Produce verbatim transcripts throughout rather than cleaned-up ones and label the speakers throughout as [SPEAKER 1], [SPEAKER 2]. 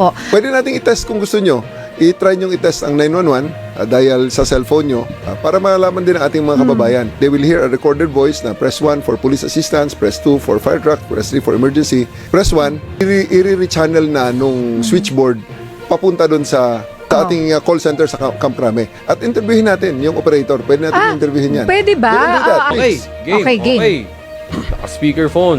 [SPEAKER 1] po.
[SPEAKER 2] Pwede nating i-test kung gusto nyo. I-try nyo i-test ang nine one one uh, dial sa cellphone nyo uh, para malaman din ang ating mga kababayan. They will hear a recorded voice na press one for police assistance, press two for fire truck, press three for emergency. Press one, i-re-channel na nung switchboard papunta doon sa sa
[SPEAKER 1] Oh.
[SPEAKER 2] ating uh, call center sa Camp Camp Crame. At interviewin natin yung operator. Pwede natin
[SPEAKER 1] Ah,
[SPEAKER 2] interviewin yan.
[SPEAKER 1] pwede ba?
[SPEAKER 2] We will do that,
[SPEAKER 1] Ah, ah,
[SPEAKER 3] Okay,
[SPEAKER 2] please.
[SPEAKER 3] game.
[SPEAKER 1] Okay, game.
[SPEAKER 3] Okay. Naka-speakerphone.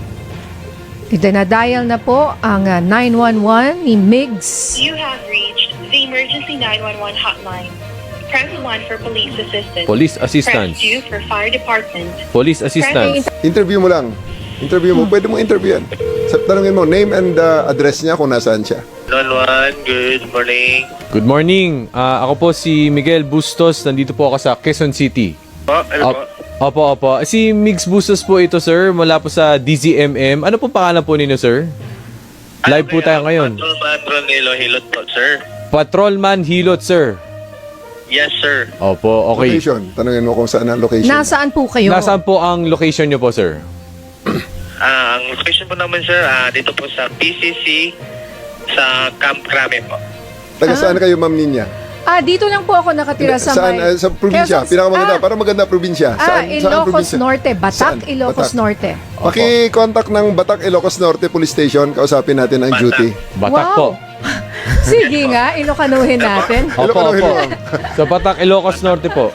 [SPEAKER 1] Itinadial na po ang uh, nine one one ni Migs.
[SPEAKER 4] You have reached the emergency nine one one hotline. Press one for police assistance.
[SPEAKER 3] Police assistance.
[SPEAKER 4] Press two for fire department.
[SPEAKER 3] Police assistance.
[SPEAKER 2] Interview mo lang. Interview mo. Pwede mo interview yan. Sa- Tanungin mo, name and uh, address niya kung nasaan siya.
[SPEAKER 5] nine one one, good morning.
[SPEAKER 3] Good morning. Ah, ako po si Miguel Bustos. Nandito po ako sa Quezon City.
[SPEAKER 5] Po, ano po?
[SPEAKER 3] Op- Opo, opo. Si Migs Bustos po ito, sir. Mula po sa D Z M M. Ano po pangalan po ninyo, sir? Live po tayo ngayon.
[SPEAKER 5] Patrol, patrol, hilo, hilot po, sir.
[SPEAKER 3] Patrolman Hilot, sir.
[SPEAKER 5] Yes, sir.
[SPEAKER 3] Opo, okay.
[SPEAKER 2] Location. Tanungin mo kung saan ang location.
[SPEAKER 1] Nasaan po kayo?
[SPEAKER 3] Nasaan po ang location nyo po, sir?
[SPEAKER 5] Ah, ang location po naman, sir, ah, dito po sa P C C sa Camp Crame po.
[SPEAKER 2] Taga saan kayo, Ma'am Ninya?
[SPEAKER 1] Ah, dito lang po ako nakatira sa
[SPEAKER 2] Saan?
[SPEAKER 1] may...
[SPEAKER 2] Uh, sa probinsya.
[SPEAKER 1] Quezon-
[SPEAKER 2] Pinakamaganda.
[SPEAKER 1] Ah,
[SPEAKER 2] para maganda probinsya.
[SPEAKER 1] Ah,
[SPEAKER 2] Saan, saan
[SPEAKER 1] Ilocos
[SPEAKER 2] probinsya?
[SPEAKER 1] Norte. Batak,
[SPEAKER 2] Saan?
[SPEAKER 1] Ilocos
[SPEAKER 2] Batak.
[SPEAKER 1] Norte.
[SPEAKER 2] Paki-contact ng Batak, Ilocos Norte Police Station. Kausapin natin ang
[SPEAKER 5] Batak.
[SPEAKER 2] duty.
[SPEAKER 3] Batak
[SPEAKER 1] Wow.
[SPEAKER 3] po.
[SPEAKER 1] Sige nga, ilokanuhin natin.
[SPEAKER 3] Opo,
[SPEAKER 2] Ilocano,
[SPEAKER 3] opo.
[SPEAKER 2] Ilocano.
[SPEAKER 3] Sa Batak, Ilocos Norte po.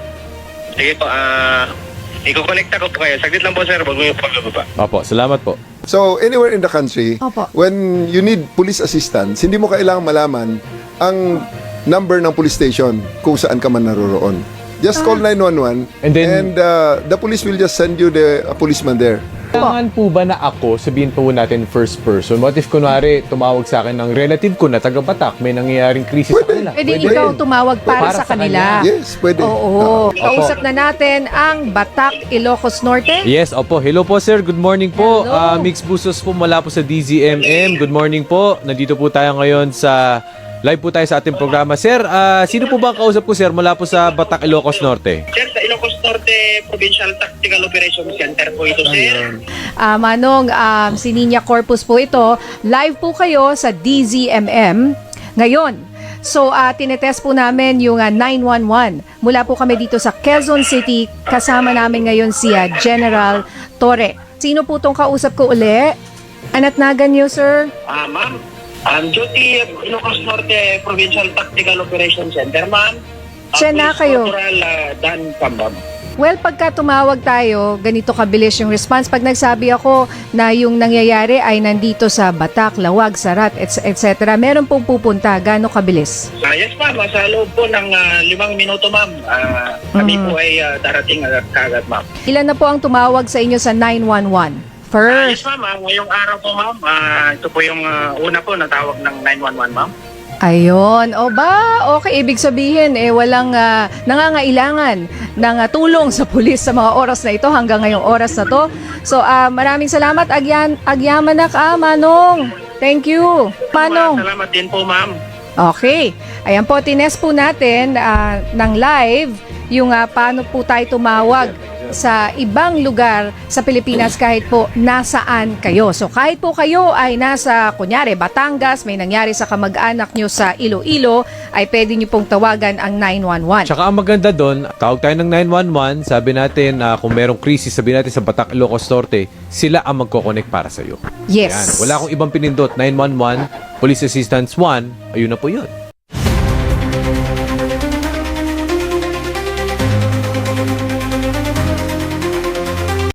[SPEAKER 5] Sige po, ah, iko-connecta ko po kayo. Saglit lang po, sir. Bago yung follow pa.
[SPEAKER 3] Opo, salamat po.
[SPEAKER 2] So, anywhere in the country,
[SPEAKER 1] Opo.
[SPEAKER 2] when you need police assistance, hindi mo kailangang malaman ang number ng police station kung saan ka man naroroon. Just call nine one one
[SPEAKER 3] And then-
[SPEAKER 2] uh, the police will just send you the a policeman there.
[SPEAKER 3] Kailangan po ba na ako, sabihin po natin first person, what if kunwari tumawag sa akin ng relative ko na taga Batak, may nangyayaring krisis sa kanila?
[SPEAKER 1] Pwede ikaw tumawag para,
[SPEAKER 3] Para
[SPEAKER 1] sa
[SPEAKER 3] sa
[SPEAKER 1] kanila.
[SPEAKER 3] kanya.
[SPEAKER 2] Yes, pwede.
[SPEAKER 1] Oo.
[SPEAKER 3] Opo.
[SPEAKER 1] Kausap na natin ang Batak, Ilocos Norte.
[SPEAKER 3] Yes, opo. Hello po, sir. Good morning po.
[SPEAKER 1] Hello.
[SPEAKER 3] Ah, Mix Busos po mula po sa D Z M M. Good morning po. Nandito po tayo ngayon sa live po tayo sa ating programa. Sir, ah, sino po ba ang kausap ko, sir, mula po sa Batak, Ilocos Norte?
[SPEAKER 5] Sir, sa Ilocos Norte Provincial Tactical Operations Center po ito, sir.
[SPEAKER 1] Ah, Manong, um, si Ninya Corpus po ito. Live po kayo sa D Z M M ngayon. So, uh, tinetest po namin yung uh, nine one one. Mula po kami dito sa Quezon City. Kasama namin ngayon si uh, General Torre. Sino po tong kausap ko uli? Anatnagan niyo, sir?
[SPEAKER 5] Ah, ma'am. Um, duty Ilocos Norte Provincial Tactical Operations Center, ma'am. Ah,
[SPEAKER 1] Siya na
[SPEAKER 5] Police
[SPEAKER 1] kayo.
[SPEAKER 5] Corporal ah, Dan Pambam.
[SPEAKER 1] Well, pagka tumawag tayo, ganito kabilis yung response. Pag nagsabi ako na yung nangyayari ay nandito sa Batak, Lawag, Sarat, et cetera, meron pong pupunta. Gaano kabilis?
[SPEAKER 5] Ah, yes, ma'am. Ah, Sa loob po ng ah, limang minuto, ma'am. Ah, kami
[SPEAKER 1] Mm.
[SPEAKER 5] po ay ah, darating agad kagad, ma'am.
[SPEAKER 1] Ilan na po ang tumawag sa inyo sa nine one one?
[SPEAKER 5] Ah, yes,
[SPEAKER 1] First.
[SPEAKER 5] ma'am. Ah, ngayong araw po, ma'am. Ah, ito po yung ah, una po na tawag ng nine one one, ma'am.
[SPEAKER 1] Ayun. O ba, okay. Ibig sabihin, eh, walang ah, nangangailangan ng ah, tulong sa pulis sa mga oras na ito hanggang ngayong oras na to. So, ah, maraming salamat. Agyan, agyamanak, ah, Manong. Thank you. Manong.
[SPEAKER 5] Ah, salamat din po, ma'am.
[SPEAKER 1] Okay. Ayan po, tinest po natin ah, ng live yung ah, paano po tayo tumawag sa ibang lugar sa Pilipinas kahit po nasaan kayo. So kahit po kayo ay nasa, kunyari, Batangas, may nangyari sa kamag-anak nyo sa Iloilo, ay pwede nyo pong tawagan ang nine one one.
[SPEAKER 3] Tsaka ang maganda doon, tawag tayo ng nine one one, sabi natin na kung merong krisis, sabi natin sa Batak, Ilocos Norte, sila ang magkoconnect para sa'yo.
[SPEAKER 1] Yes.
[SPEAKER 3] Yan. Wala akong ibang pinindot. nine one one, Police Assistance one, ayun na po yun.